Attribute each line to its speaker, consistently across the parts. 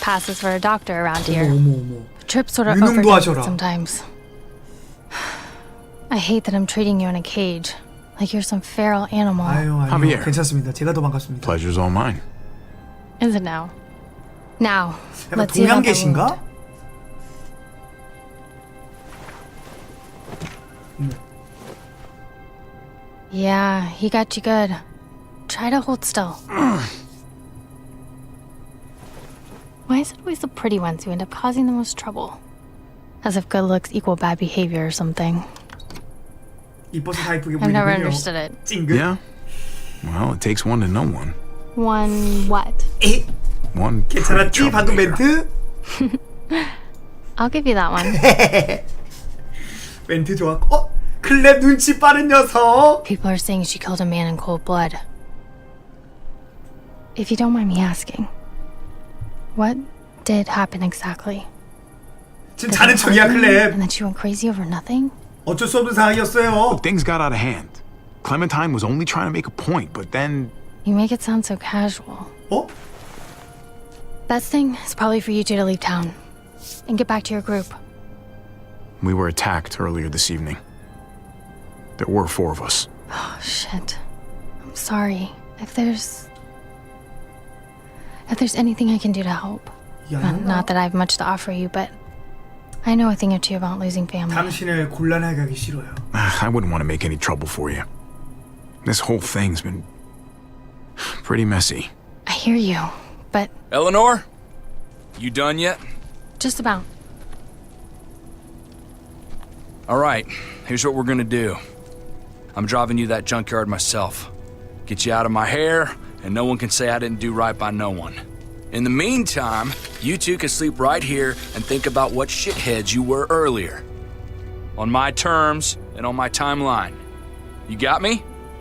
Speaker 1: passes for a doctor around here.
Speaker 2: 어머.
Speaker 1: Trip sort of
Speaker 2: 유능도
Speaker 1: overdoes it
Speaker 2: 하셔라.
Speaker 1: sometimes. I hate that I'm treating you in a cage, like you're some feral animal.
Speaker 2: 아유,
Speaker 3: Javier.
Speaker 2: 괜찮습니다. 제가 더 반갑습니다.
Speaker 3: Pleasure's all mine.
Speaker 1: Is it now? Now,
Speaker 2: 약간
Speaker 1: let's see about that
Speaker 2: 동양계신가?
Speaker 1: wound. Yeah, he got you good. Try to hold still. Why is it always the pretty ones who end up causing the most trouble? As if good looks equal bad behavior or something.
Speaker 2: 이뻐서 다 이쁘게
Speaker 1: I've never
Speaker 2: 보이는군요.
Speaker 1: understood it.
Speaker 2: 찡긋.
Speaker 3: Yeah? Well, it takes one to know one.
Speaker 1: One what?
Speaker 2: 에이,
Speaker 3: One pretty
Speaker 2: 괜찮았지? 방금
Speaker 3: troublemaker.
Speaker 2: 멘트?
Speaker 1: I'll give you that one.
Speaker 2: 멘트 좋았고. 클랩 눈치 빠른 녀석.
Speaker 1: People are saying she killed a man in cold blood. If you don't mind me asking, what did happen exactly?
Speaker 2: 지금
Speaker 1: Did
Speaker 2: 자는
Speaker 1: it
Speaker 2: 척이야,
Speaker 1: hurt you,
Speaker 2: 클랩.
Speaker 1: and then she went crazy over nothing?
Speaker 2: 어쩔 수 없는 상황이었어요.
Speaker 3: Things got out of hand. Clementine was only trying to make a point, but then
Speaker 1: You make it sound so casual.
Speaker 2: 어?
Speaker 1: Best thing is probably for you two to leave town and get back to your group.
Speaker 3: we were attacked earlier this evening. There were 4 of us.
Speaker 1: Oh, shit. I'm sorry. If there's anything I can do to help. Not that I have much to offer you, but I know a thing or two about losing family.
Speaker 2: 당신을 곤란하게 하기 싫어요.
Speaker 3: I wouldn't want to make any trouble for you. This whole thing's been pretty messy.
Speaker 1: I hear you, but
Speaker 4: Eleanor? You done yet?
Speaker 1: just about.
Speaker 4: Alright, here's what we're gonna do. I'm driving you that junkyard myself. Get you out of my hair, and no one can say I didn't do right by no one. In the meantime, you two can sleep right here and think about what shitheads you were earlier. On my terms and on my timeline. You got me?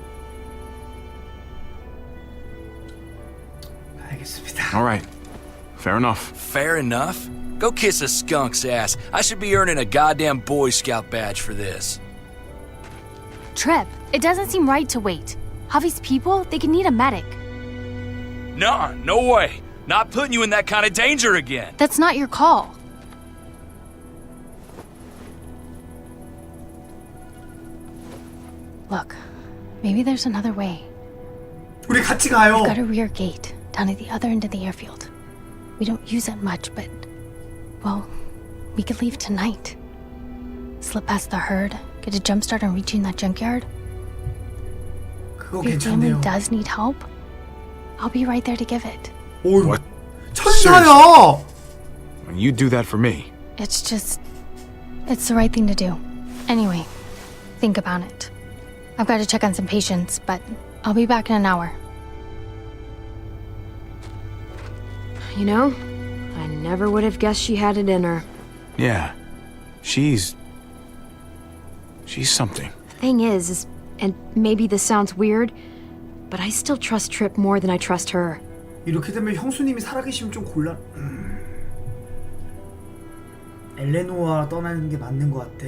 Speaker 2: 알겠습니다.
Speaker 3: All right. Fair enough.
Speaker 4: Fair enough. Go kiss a skunk's ass. I should be earning a goddamn Boy Scout badge for this.
Speaker 5: Trip, it doesn't seem right to wait. Javi's people, they can need a medic.
Speaker 4: Nah, no way. Not putting you in that kind of danger again.
Speaker 5: That's not your call.
Speaker 1: Look, maybe there's another way.
Speaker 2: 우리 같이 가요.
Speaker 1: We've got a rear gate down at the other end of the airfield. We don't use it much, but, well, we could leave tonight. Slip past the herd, get a jump start on reaching that junkyard.
Speaker 2: 그거
Speaker 1: If your family
Speaker 2: 괜찮네요.
Speaker 1: does need help, I'll be right there to give it.
Speaker 2: 오,
Speaker 3: What?
Speaker 2: 천사야.
Speaker 3: You do that for me.
Speaker 1: It's the right thing to do. Anyway, think about it. I've got to check on some patients, but I'll be back in an hour.
Speaker 5: You know, I never would have guessed she had it in her.
Speaker 3: Yeah. She's something.
Speaker 5: Thing is, and maybe this sounds weird, but I still trust Trip more than I trust her.
Speaker 2: 이렇게 되면 형수님이 살아계시면 좀 곤란. 엘레노아 떠나는 게 맞는 것 같아.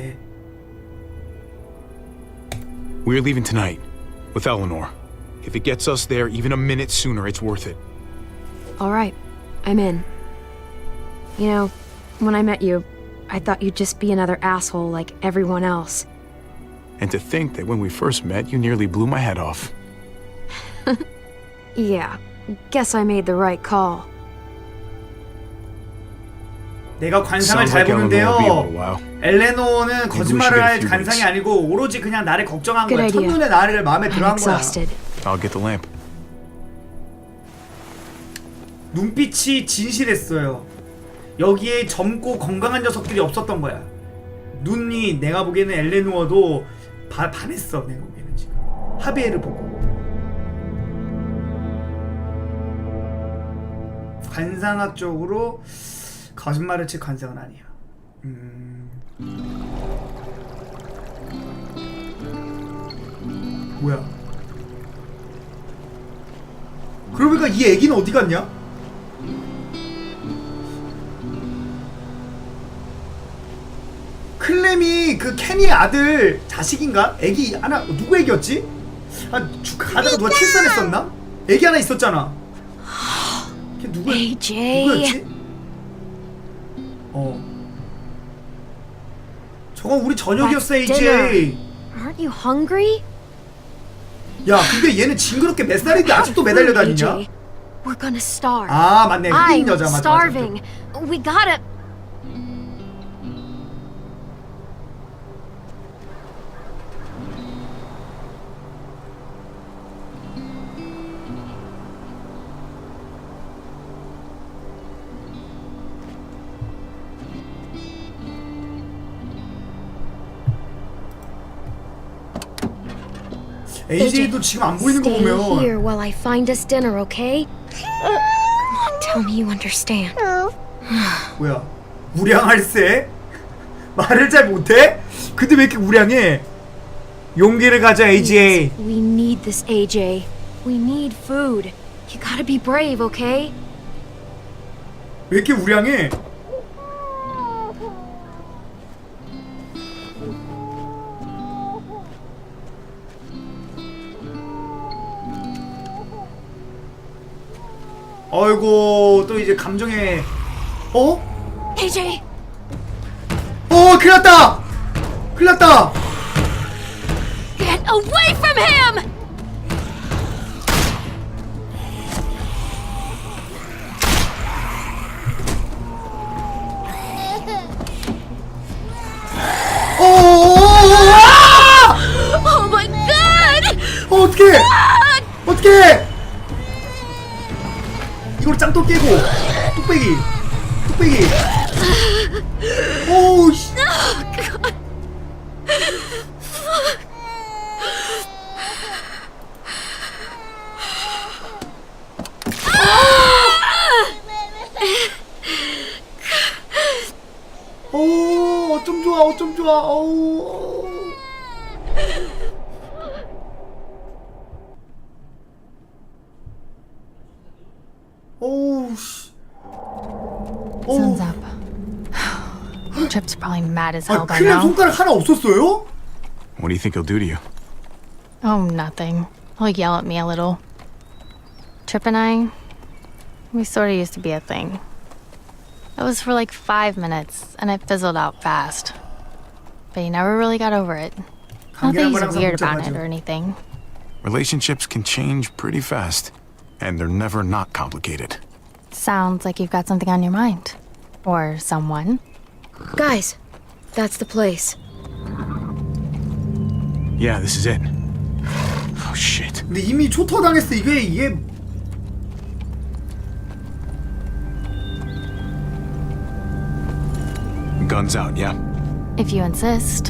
Speaker 3: We're leaving tonight with Eleanor. If it gets us there even a minute sooner, it's worth it.
Speaker 5: All right, I'm in. You know, when I met you, I thought you'd just be another asshole like everyone else.
Speaker 3: And to think that when we first met, you nearly blew my head off.
Speaker 5: Yeah, guess I made the right call.
Speaker 2: 내가 관상을
Speaker 3: Sounds
Speaker 2: 잘
Speaker 3: like Eleanor will be able to
Speaker 2: 보는데요.
Speaker 3: wow.
Speaker 2: 엘레노는 거짓말을
Speaker 3: get a
Speaker 2: 할
Speaker 3: few
Speaker 2: 관상이
Speaker 3: minutes.
Speaker 2: 아니고 오로지 그냥 나를 걱정한
Speaker 5: Good
Speaker 2: 거야.
Speaker 5: idea.
Speaker 2: 첫눈에 나를 마음에
Speaker 5: I'm
Speaker 2: 들어한 거야.
Speaker 5: exhausted.
Speaker 3: I'll get the lamp.
Speaker 2: 눈빛이 진실했어요. 여기에 젊고 건강한 녀석들이 없었던 거야. 눈이 내가 보기에는 엘레노어도 반했어. 내가 보기에는 지금 하비에를 보고. 관상학적으로 거짓말을 칠 관상은 아니야. 뭐야? 그러니까 이 애기는 어디 갔냐? 클렘이 그 케니의 아들 자식인가? 애기 하나 누구 애기였지? 가다가 누가 출산했었나? 애기 하나 있었잖아. 걔 누구였지? 저건 우리 저녁이었어,
Speaker 5: That's
Speaker 2: AJ.
Speaker 5: Aren't you hungry?
Speaker 2: 야, 근데 얘는 징그럽게 몇 살인데 아직도 매달려 다니냐?
Speaker 5: AJ, we're gonna starve.
Speaker 2: 아, 맞네. 흑인
Speaker 5: I'm
Speaker 2: 여자 맞아.
Speaker 5: starving. We gotta.
Speaker 2: AJ도 지금 안 보이는 거
Speaker 5: Stay
Speaker 2: 보면
Speaker 5: here while I find us dinner, okay? Come on, tell me you understand.
Speaker 2: 뭐야? 우량할세? 말을 잘 못해? 근데 왜 이렇게 우량해? 용기를 가져, AJ.
Speaker 5: We need this, AJ. We need food. You gotta be brave, okay?
Speaker 2: 왜 이렇게 우량해? 어이구, 또 이제 감정에 어?
Speaker 5: AJ!
Speaker 2: 큰일 났다! 큰일 났다!
Speaker 5: Get away from him! Oh my god!
Speaker 2: 어떡해! 어떡해! 이걸 짱또 깨고 뚝배기 뚝배기 오우 씨. 오, 어쩜 좋아, 어쩜 좋아, 어우. 오우, 씨.
Speaker 1: Sun's up. Trip's probably mad as hell
Speaker 2: 아,
Speaker 1: by
Speaker 2: 클랩
Speaker 1: now.
Speaker 2: 손가락 하나 없었어요?
Speaker 3: What do you think he'll do to you?
Speaker 1: Oh, nothing. He'll yell at me a little. Trip and I, we sort of used to be a thing. It was for like 5 minutes, and it fizzled out fast. But he never really got over it. Not that
Speaker 2: 관계란
Speaker 1: he's
Speaker 2: 건 항상
Speaker 1: weird about it
Speaker 2: 복잡하죠.
Speaker 1: or anything.
Speaker 3: Relationships can change pretty fast, and they're never not complicated.
Speaker 1: Sounds like you've got something on your mind. Or someone.
Speaker 5: Guys, that's the place.
Speaker 3: Yeah, this is it. Oh shit.
Speaker 2: 근데 이미 초토당했어. 이게
Speaker 3: Guns out, yeah?
Speaker 1: If you insist.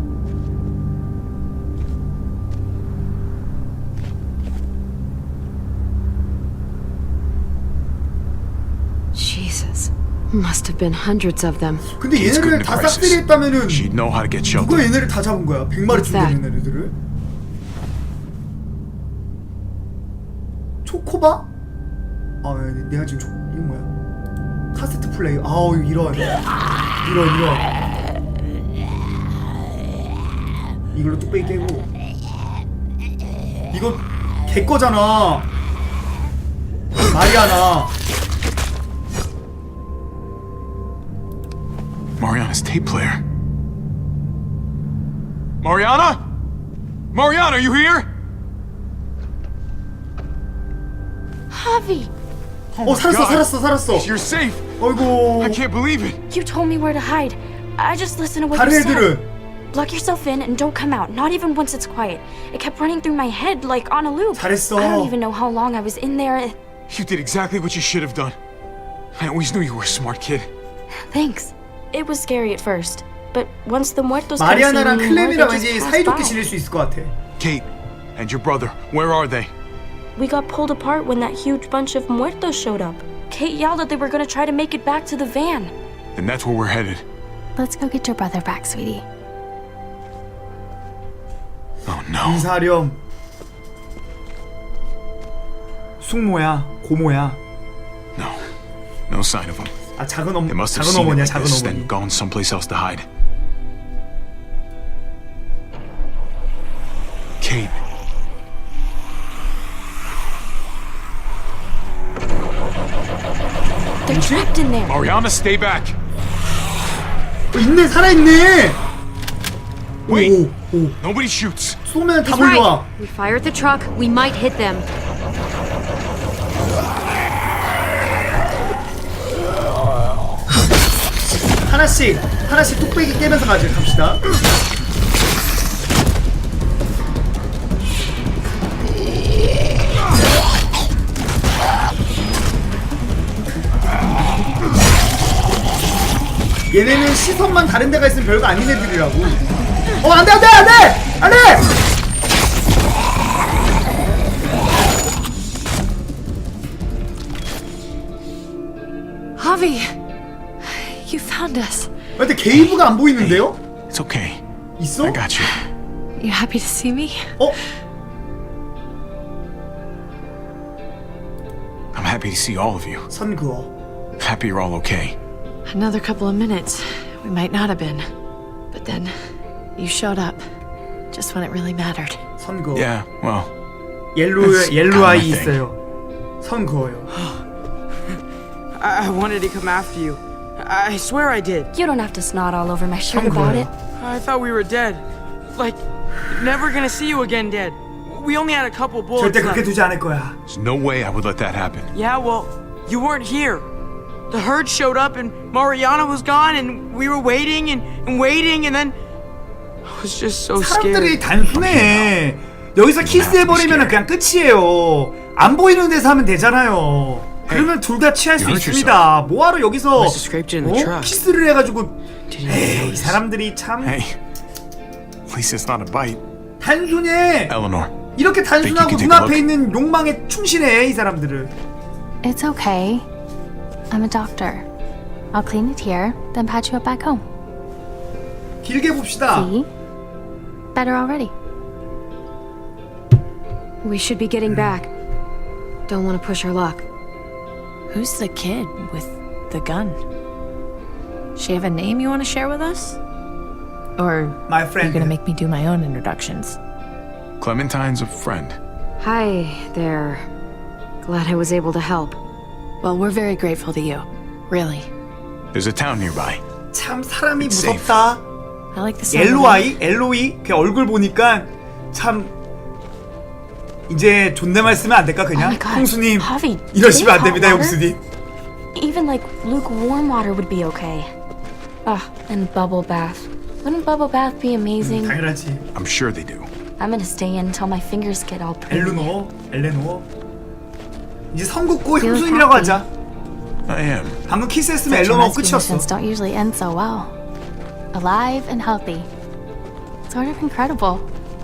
Speaker 5: Jesus. Must have been hundreds of them.
Speaker 2: 근데
Speaker 3: Kids
Speaker 2: 얘네를
Speaker 3: couldn't
Speaker 2: 다
Speaker 3: crisis.
Speaker 2: 싹쓸이 했다면은
Speaker 3: She'd know how to get
Speaker 2: 누가
Speaker 3: shelter.
Speaker 2: 얘네를 다 잡은 거야? 100마리쯤
Speaker 5: that?
Speaker 2: 되는 애들을? 초코바? 아, 내가 지금 이거 뭐야? 카세트 플레이. 아우, 이런. 이걸로 뚝배기 깨고. 이거 걔 거잖아. 마리아나.
Speaker 3: Mariana's tape player. Mariana? Mariana, are you here?
Speaker 6: Javi,
Speaker 2: 살았어.
Speaker 3: You're safe.
Speaker 2: 어이구.
Speaker 3: I can't believe it.
Speaker 6: you told me where to hide. I just listened to what
Speaker 2: 다른
Speaker 6: you said.
Speaker 2: 애들은
Speaker 6: Lock yourself in and don't come out, not even once it's quiet. It kept running through my head like on a loop.
Speaker 2: 잘했어.
Speaker 6: I don't even know how long I was in there.
Speaker 3: You did exactly what you should have done. I always knew you were a smart kid.
Speaker 6: Thanks. It was scary at first, but once the muertos kept seeing
Speaker 2: 마리아나랑
Speaker 6: me more, they
Speaker 2: 클램이랑
Speaker 6: just
Speaker 2: 왠지
Speaker 6: passed
Speaker 2: 사이좋게
Speaker 6: by.
Speaker 2: 지낼 수 있을 것 같아.
Speaker 3: Kate and your brother, where are they?
Speaker 6: We got pulled apart when that huge bunch of muertos showed up. Kate yelled that they were gonna try to make it back to the van.
Speaker 3: Then that's where we're headed.
Speaker 1: Let's go get your brother back, sweetie.
Speaker 3: Oh no.
Speaker 2: 이사렴. 숙모야, 고모야.
Speaker 3: No. No sign of them.
Speaker 2: 아, 작은
Speaker 3: They must have
Speaker 2: 작은
Speaker 3: seen it
Speaker 2: 어머니야,
Speaker 3: like
Speaker 2: 작은
Speaker 3: this,
Speaker 2: 어머니.
Speaker 3: then gone someplace else to hide. Kate.
Speaker 6: They're trapped in there.
Speaker 3: Mariana, stay back.
Speaker 2: 있네, 살아있네.
Speaker 3: Wait.
Speaker 2: 오, 오.
Speaker 3: Nobody shoots.
Speaker 2: 쏘면 다
Speaker 5: He's
Speaker 2: 몰려와.
Speaker 5: right. We fire at the truck, we might hit them.
Speaker 2: 하나씩 뚝배기 깨면서 갑시다. 얘네는 시선만 다른 데가 있으면 별거 아닌 애들이라고. 안돼.
Speaker 7: Javi, you found us.
Speaker 2: 근데 게이브가 안 보이는데요?
Speaker 3: It's okay.
Speaker 2: 있어?
Speaker 3: I got you.
Speaker 7: You happy to see me?
Speaker 3: I'm happy to see all of you.
Speaker 2: 선 그어.
Speaker 3: Happy you're all okay.
Speaker 7: Another couple of minutes, we might not have been. But then, you showed up. Just when it really mattered.
Speaker 2: 선 그어.
Speaker 3: Yeah, well,
Speaker 2: 옐로
Speaker 3: That's kind of
Speaker 2: 아이
Speaker 3: my thing.
Speaker 2: 있어요. 선 그어요.
Speaker 8: I wanted to come after you. I swear I did.
Speaker 6: You don't have to snot all over my shirt
Speaker 2: 선
Speaker 6: about
Speaker 2: 그어요.
Speaker 6: it.
Speaker 8: I thought we were dead. Like, never gonna see you again dead. We only had a couple bullets
Speaker 2: 절대 그렇게
Speaker 8: left.
Speaker 2: 두지 않을 거야.
Speaker 3: there's no way I would let that happen.
Speaker 8: Yeah, well, you weren't here. The herd showed up and Mariana was gone and we were waiting and waiting and then I was just so
Speaker 2: 사람들이
Speaker 8: scared.
Speaker 2: 단순해. 여기서 키스해버리면 그냥 끝이에요. 안 보이는 데서 하면 되잖아요. 그러면 둘 다 취할 수
Speaker 3: you hurt
Speaker 2: 있습니다. 뭐하러 여기서
Speaker 8: Must have scraped you in the truck.
Speaker 2: 키스를 해가지고.
Speaker 8: Did you
Speaker 2: 에이, 이
Speaker 8: notice?
Speaker 2: 사람들이 참
Speaker 3: Hey, at least it's not a bite.
Speaker 2: 단순해.
Speaker 3: Eleanor,
Speaker 2: 이렇게 단순하고
Speaker 3: Think you can take
Speaker 2: 눈앞에
Speaker 3: a look?
Speaker 2: 있는 욕망에 충실해 이 사람들은.
Speaker 1: It's okay. I'm a doctor. I'll clean it here, then patch you up back home.
Speaker 2: 길게 봅시다.
Speaker 1: See? Better already.
Speaker 5: We should be getting back. Don't want to push our luck.
Speaker 7: Who's the kid with the gun? She have a name you want to share with us? Or
Speaker 2: My
Speaker 7: are you
Speaker 2: friend.
Speaker 7: gonna make me do my own introductions?
Speaker 3: Clementine's a friend.
Speaker 5: Hi there. Glad I was able to help.
Speaker 7: Well, we're very grateful to you. Really.
Speaker 3: There's a town nearby.
Speaker 2: 참 사람이
Speaker 3: It's safe.
Speaker 2: 무섭다.
Speaker 7: I like the sound of
Speaker 2: 옐로
Speaker 7: it.
Speaker 2: 아이, 엘로이 그 얼굴 보니까 참 이제 존댓말 쓰면 안 될까
Speaker 6: Oh
Speaker 2: 그냥?
Speaker 6: my god.
Speaker 2: 형수님
Speaker 6: Javi,
Speaker 2: 이러시면 안
Speaker 6: hot
Speaker 2: 됩니다,
Speaker 6: water?
Speaker 2: 형수님.
Speaker 6: Even like lukewarm water would be okay. And bubble bath. Wouldn't bubble bath be amazing?
Speaker 2: 당연하지.
Speaker 3: I'm sure they do.
Speaker 6: I'm gonna stay in until my fingers get all pretty.
Speaker 2: 엘레노어. 이제 선 긋고
Speaker 5: Feel
Speaker 2: 형수님이라고
Speaker 5: happy.
Speaker 2: 하자.
Speaker 3: I am.
Speaker 2: 방금 키스했으면
Speaker 1: Such
Speaker 2: 엘레노어
Speaker 1: MS
Speaker 2: 끝이었어.
Speaker 1: missions don't usually end so well. Alive and healthy. Sort of incredible.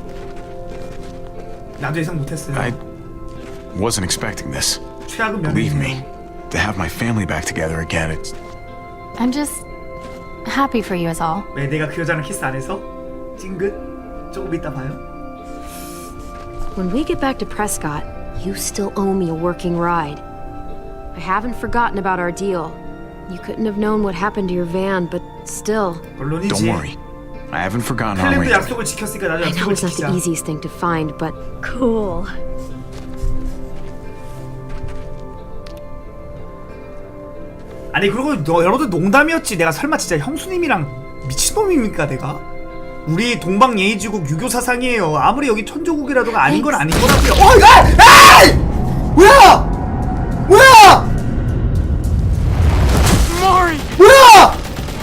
Speaker 2: 나도 예상 못했어요.
Speaker 3: I wasn't expecting this.
Speaker 2: 최악은
Speaker 3: Believe me,
Speaker 2: 면이네요.
Speaker 3: to have my family back together again, it's
Speaker 1: I'm just happy for you is all.
Speaker 2: 왜 내가 그 여자랑 키스 안 해서? 찡긋? 조금 이따 봐요.
Speaker 5: When we get back to Prescott, you still owe me a working ride. I haven't forgotten about our deal. You couldn't have known what happened to your van, but still.
Speaker 3: don't
Speaker 2: 물론이지.
Speaker 3: worry. I haven't forgotten our
Speaker 2: 클램도
Speaker 3: arrangement.
Speaker 2: 약속을 지켰으니까 나도
Speaker 5: I know
Speaker 2: 약속을
Speaker 5: it's not
Speaker 2: 지키자.
Speaker 5: the easiest thing to find, but
Speaker 7: Cool.
Speaker 2: 아니 그리고 여러분들 농담이었지. 내가 설마 진짜 형수님이랑 미친놈입니까 내가? 우리 동방예의지국 유교 사상이에요. 아무리 여기 천조국이라도가 아닌 건 아닌 거라고요. 에이! 뭐야? 뭐야?
Speaker 8: Mari!
Speaker 2: 뭐야?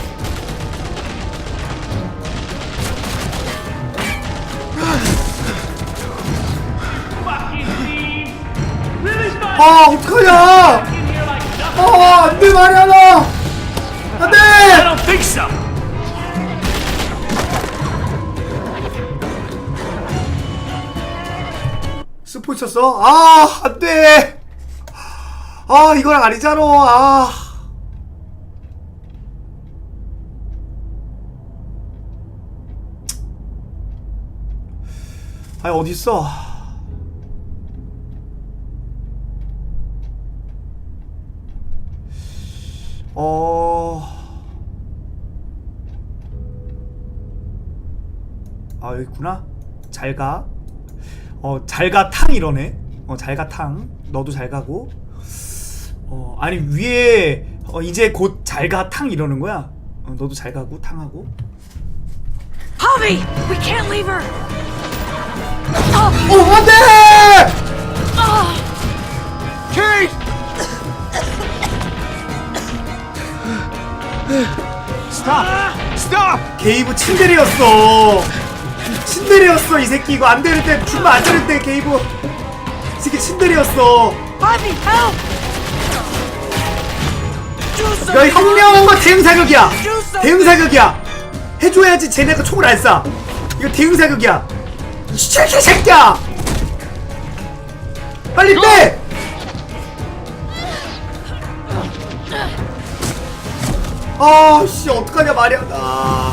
Speaker 2: 아 어떡하냐? 안돼 마리아나. 안돼.
Speaker 4: don't think so.
Speaker 2: 스포 있었어? 아 안돼. 아 이건 아니잖아. 아. 아니 어딨어? 아 여기 있구나. 잘가. 잘가 탕 이러네. 잘가 탕. 너도 잘 가고. 아니 위에 이제 곧 잘가 탕 이러는 거야. 너도 잘 가고 탕하고.
Speaker 8: Javi, we can't leave her.
Speaker 2: 안돼!
Speaker 3: Kate! Stop! Stop!
Speaker 2: 게이브 친데레였어. 친데레였어 이 새끼. 이거 안 되는데 주면 안 되는데 게이브. 이 새끼 친데레였어.
Speaker 8: Javi, help! Do
Speaker 2: 야
Speaker 8: something.
Speaker 2: 혁명과 대응 사격이야. 대응 사격이야. 해줘야지 쟤네가 총을 안 쏴. 이거 대응 사격이야. 이 새끼야. 빨리 빼. 아씨 어떡하냐 말이야 나.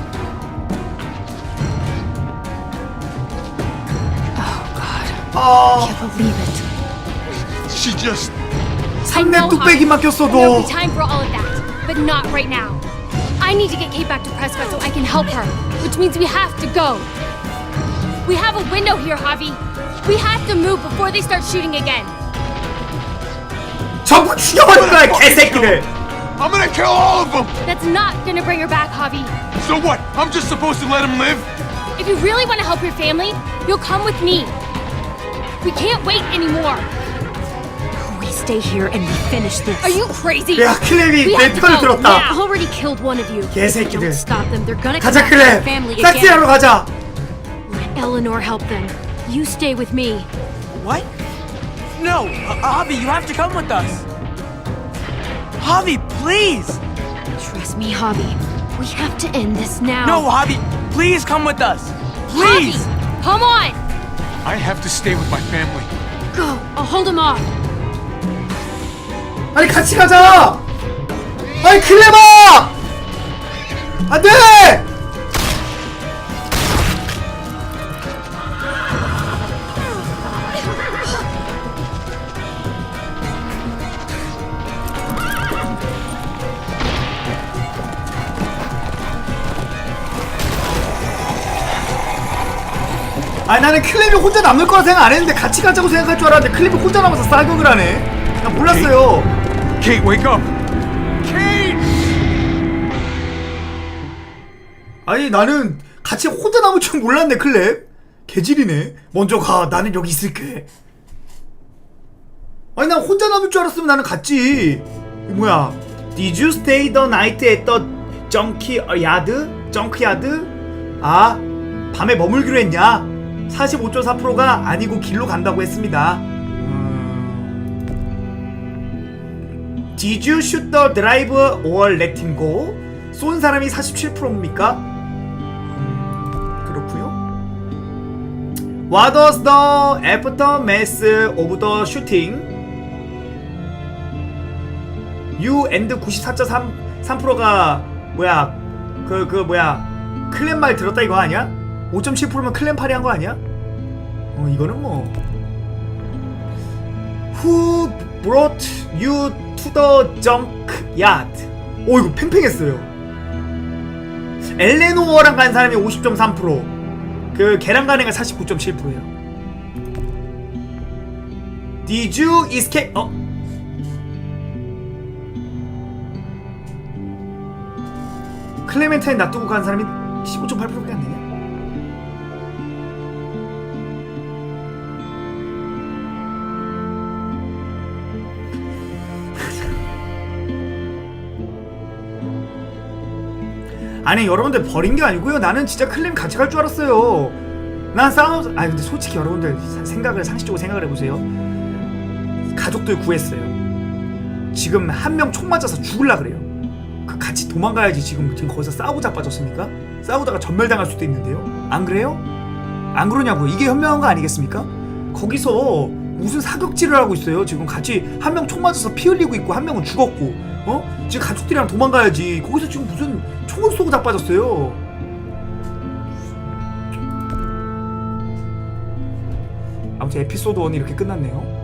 Speaker 2: 아
Speaker 1: Can't believe it.
Speaker 3: She just...
Speaker 2: 상대 뚝배기만
Speaker 9: There'll
Speaker 2: 꼈어도.
Speaker 9: be time for all of that, but not right now. I need to get Kate back to Prescott so I can help her, which means we have to go. We have a window here, Javi. We have to move before they start shooting again.
Speaker 2: 전부 죽여버릴 거야 개새끼들.
Speaker 3: I'm gonna kill all of them!
Speaker 9: That's not gonna bring her back, Javi.
Speaker 3: So what? I'm just supposed to let them live?
Speaker 9: If you really want to help your family, you'll come with me. We can't wait anymore.
Speaker 5: We stay here and we finish this.
Speaker 9: Are you crazy?
Speaker 2: 야 클랩이
Speaker 9: We
Speaker 2: 내
Speaker 9: have to
Speaker 2: 편을
Speaker 9: go
Speaker 2: 들었다.
Speaker 9: now.
Speaker 5: already killed one of you.
Speaker 2: 개새끼들.
Speaker 5: Don't stop them. They're gonna come
Speaker 2: 가자
Speaker 5: back to their
Speaker 2: 클랩.
Speaker 5: family
Speaker 2: 싹쓸이하러
Speaker 5: again.
Speaker 2: 가자.
Speaker 5: Let Eleanor help them. You stay with me.
Speaker 8: What? No, Javi, you have to come with us. Javi, please.
Speaker 5: Trust me, Javi. We have to end this now.
Speaker 8: No, Javi, please come with us.
Speaker 9: Javi,
Speaker 8: Please.
Speaker 9: come on.
Speaker 3: I have to stay with my family.
Speaker 5: Go. I'll hold him off.
Speaker 2: 아니 같이 가자. 아니 클레바. 안돼. 아니 나는 클랩이 혼자 남을 거라 생각 안 했는데 같이 가자고 생각할 줄 알았는데 클랩이 혼자 남아서 싸격을 하네. 나 몰랐어요.
Speaker 3: Kate, wake up! Kate!
Speaker 2: 아니 나는 같이 혼자 남을 줄 몰랐네 클랩. 개질이네. 먼저 가. 나는 여기 있을게. 아니 난 혼자 남을 줄 알았으면 나는 갔지. 뭐야? Did you stay the night at the junkyard? junkyard? 아 밤에 머물기로 했냐? 45.4%가 아니고 길로 간다고 했습니다. Did you shoot the driver or let him go? 쏜 사람이 47%입니까? 그렇구요. What was the aftermath of the shooting? You and 94.3%가 뭐야? 그 뭐야? 클랜 말 들었다 이거 아니야? 5.7%면 클랜 파리 한 거 아니야? 이거는 뭐 Who brought you to the junkyard? 오 이거 팽팽했어요. 엘레노어랑 간 사람이 50.3%, 그 걔랑 간 애가 49.7%예요. Did you escape? 클레멘타인 놔두고 간 사람이 15.8%밖에 안 되냐? 아니 여러분들 버린 게 아니고요. 나는 진짜 클램 같이 갈 줄 알았어요. 난 아니 근데 솔직히 여러분들 상식적으로 생각을 해보세요. 가족들 구했어요. 지금 한 명 총 맞아서 죽을라 그래요. 그 같이 도망가야지. 지금 거기서 싸우고 자빠졌습니까? 싸우다가 전멸당할 수도 있는데요. 안 그래요? 안 그러냐고요. 이게 현명한 거 아니겠습니까? 거기서 무슨 사격질을 하고 있어요. 지금 같이 한 명 총 맞아서 피 흘리고 있고 한 명은 죽었고 지금 가족들이랑 도망가야지. 거기서 지금 무슨 총을 쏘고 자빠졌어요. 아무튼 에피소드 1이 이렇게 끝났네요.